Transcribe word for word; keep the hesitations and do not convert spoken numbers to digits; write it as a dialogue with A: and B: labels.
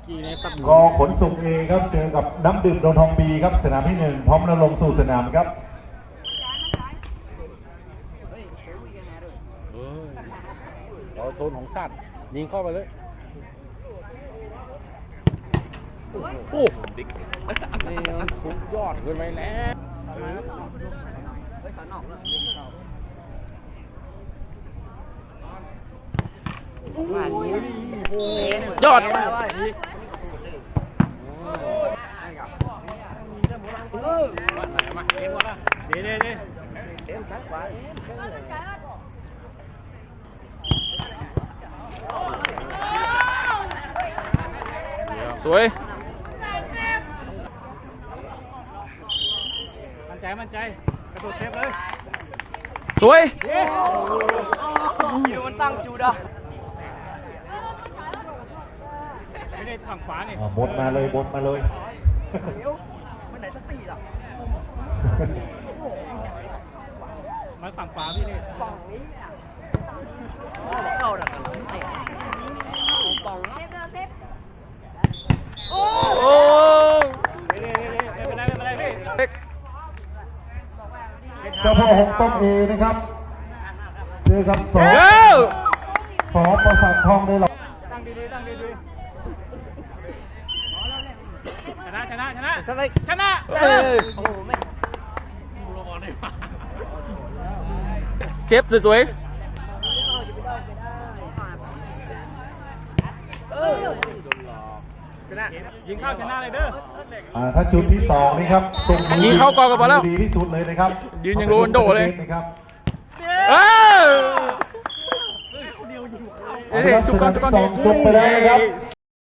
A: ก็ขนส่งเอครับเจอกับน้ำดื่มโดนทองบีครับสนามที่หนึ่งพร้อมแล้วลงสู่สนามครับ
B: เราโซนของชาติยิงเข้าไปเลยโอ้ดิกนี่มันสุดยอดเกินไปแล้วยอดดีดีดีสวยมั่นใจมั่นใจกระโดดเซฟเลยสวยยูมันตั้งจูดะไม่ได้ฝั่งขวานี่
A: บดมาเลยบดมาเลย
C: มันไหนสติหรอ
B: มาฝั่งขวาพี่นี่
C: ฝั่งนี้เข้าหรอกฝั่งเซฟโอ้
B: โอ้ไม่เป็นไรไม่เป็นไรพี่
A: เจ้าพ่อหงต้มเอนะครับเจอกับสองสองประสาททองเลยหรอ
B: ตั้งดีๆตั้งดีๆชนะชนะชนะชนะเออเชฟสวยๆยิงเข้าชนะเลยเด้อ
A: ถ้าจุดที่สองนี่ครับ
B: ยิงเข้ากองกันไปแล้ว
A: ดีที่สุดเลยนะครับ
B: ยืนยังโรนโดเลย
A: นะครับ
B: เออทุกคนทุกคน
A: ส่งไปแล้วนะครับ